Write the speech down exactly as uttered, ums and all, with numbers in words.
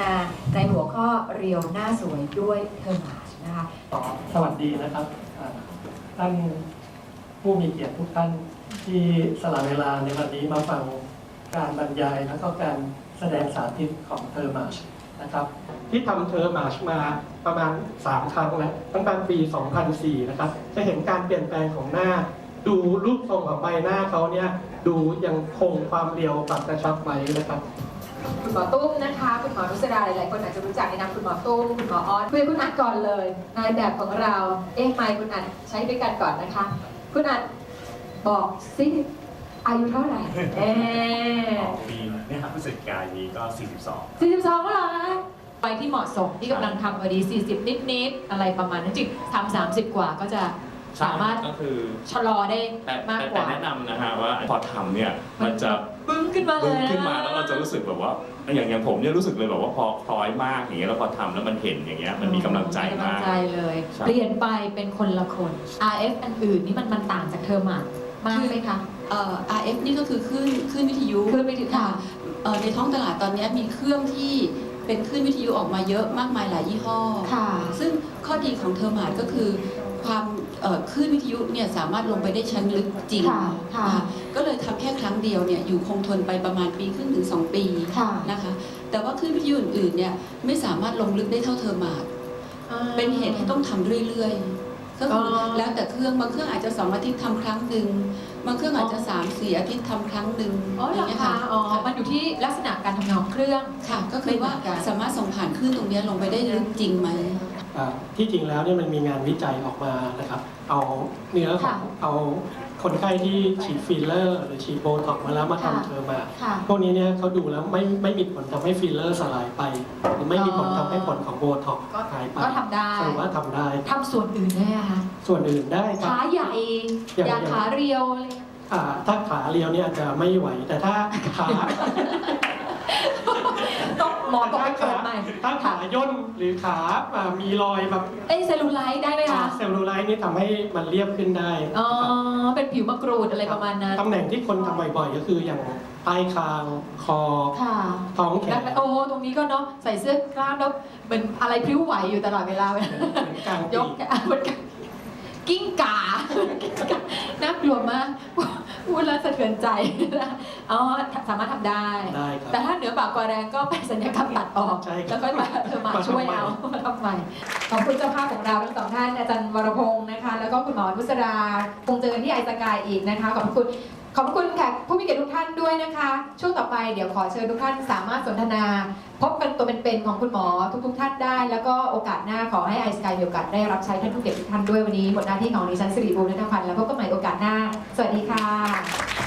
ในหัวข้อเรียวหน้าสวยด้วยเทอร์มาชนะคะสวัสดีนะครับท่านผู้มีเกียรติทุกท่านที่สละเวลาในวันนี้มาฟังการบรรยายและก็การแสดงสาธิตของเทอร์มาชนะครับที่ทำเทอร์มาชมาประมาณสามครั้งแล้วตั้งแต่ปีสองพันสี่นะครับจะเห็นการเปลี่ยนแปลงของหน้าดูรูปทรงของใบหน้าเขาเนี่ยดูยังคงความเรียวปรับกระชับไว้นะครับคุณหมอตุ้มนะคะคุณหมอนุสราหลายๆคนอาจจะรู้จักในนามคุณหมอตุ้มคุณหมอออสคุยคุณอัดก่อนเลยนายแบบของเราเอ๊ะไมค์คุณอัดใช้ด้วยกันก่อนนะคะคุณอัดบอกสิอายุเท่าไหร่เอ๊ะปีเนี่ยครับพฤศจิกายนนี้ก็สี่สิบสองสี่สิบสองแล้วเหรอไปที่เหมาะสมที่กำลังทำพอดีสี่สิบนิดๆอะไรประมาณนั้นจริงทำสามสิบกว่าก็จะสามารถก็คือชะลอได้มากกว่าแต่แนะนำนะฮะว่าพอทำเนี่ยมันจะปึ้งขึ้นมาเลยขึ้นมาแล้วเราจะรู้สึกแบบว่าอย่างอย่างผมเนี่ยรู้สึกเลยแบบว่าพอคล้อยมากอย่างเงี้ยแล้วพอทำแล้วมันเห็นอย่างเงี้ยมันมีกำลังใจมากกำลังใจเลยเปลี่ยนไปเป็นคนละคน อาร์ เอฟ อันอื่นนี่มันมันต่างจากเทอร์มากมากไหมคะเอ่อ อาร์ เอฟ นี่ก็คือคลื่นคลื่นวิทยุคลื่นวิทยุค่ะในท้องตลาดตอนนี้มีเครื่องที่เป็นคลื่นวิทยุออกมาเยอะมากมายหลายยี่ห้อค่ะซึ่งข้อดีของเทอร์มาดก็คือความคลื่นวิทยุเนี่ยสามารถลงไปได้ชั้นลึกจริงก็เลยทำแค่ครั้งเดียวเนี่ยอยู่คงทนไปประมาณปีครึ่งถึงสองปีนะคะแต่ว่าคลื่นวิทยุอื่นๆเนี่ยไม่สามารถลงลึกได้เท่าเทอร์มาดเป็นเหตุให้ต้องทำเรื่อยๆก็คือแล้วแต่เครื่องบางเครื่องอาจจะสองอาทิตย์ทำครั้งหนึ่งบางเครื่องอาจจะสามสี่อาทิตย์ทำครั้งหนึ่งอย่างเงี้ยค่ะอ๋อมันอยู่ที่ลักษณะการทำงานของเครื่องค่ะก็คือว่าสามารถส่งผ่านคลื่นตรงนี้ลงไปได้ลึกจริงไหมที่จริงแล้วเนี่ยมันมีงานวิจัยออกมานะครับเอาเนื้อของเอาคนไข้ที่ฉีดฟิลเลอร์หรือฉีดโบท็อกซ์มาแล้วมาทำเทอร์มาพวกนี้เนี่ยเขาดูแล้วไม่ไม่มีผลทำให้ฟิลเลอร์สลายไปหรือไม่มีผลทำให้ผลของโบท็อกซ์หายไปก็ทำได้สรุปว่าทำได้ทำส่วนอื่นได้ไหมคะส่วนอื่นได้ขาใหญ่อยากขาเรียวเลยถ้าขาเรียวเนี่ยอาจจะไม่ไหวแต่ถ้าขาต้องหมอต้องไปเกิดใหม่ถ้าขาย่นหรือขามีรอยแบบเอ้เซลลูไลท์ได้ไหมคะเซลลูไลท์นี่ทำให้มันเรียบขึ้นได้อ๋อเป็นผิวมะกรูดอะไรประมาณนั้นตำแหน่งที่คนทำบ่อยๆก็คืออย่างใต้คางคอท้องแขนโอ้ตรงนี้ก็เนาะใส่เสื้อกล้ามแล้วเหมือนอะไรพลิ้วไหวอยู่ตลอดเวลายกเหมือนกิ้งก่าน่ากลัวมากพูดแล้วสะเทือนใจอ๋อสามารถทำได้แต่ถ้าเหนือปากกว่าแรงก็ไปสัญญกรรมตัดออกแล้วก็มาเธอมาช่วยเอามาทำใหม่ขอบคุณเจ้าภาพของเราทั้งสองท่านอาจารย์วรพงศ์นะคะแล้วก็คุณหมอนุสราคงเจอกันที่ไอสกายอีกนะคะขอบคุณขอบคุณแขกผู้มีเกียรติทุกท่านด้วยนะคะช่วงต่อไปเดี๋ยวขอเชิญทุกท่านสามารถสนทนาพบกันตัวเป็นๆของคุณหมอทุกๆท่านได้แล้วก็โอกาสหน้าขอให้ไอสกายมีโอกาสได้รับใช้ท่านผู้เกียรติทุกท่านด้วยวันนี้หมดหน้าที่ของดิฉันสิริบูรณัฐพันธ์แล้วพบกันใหม่โอกาสหน้าสวัสดีค่ะ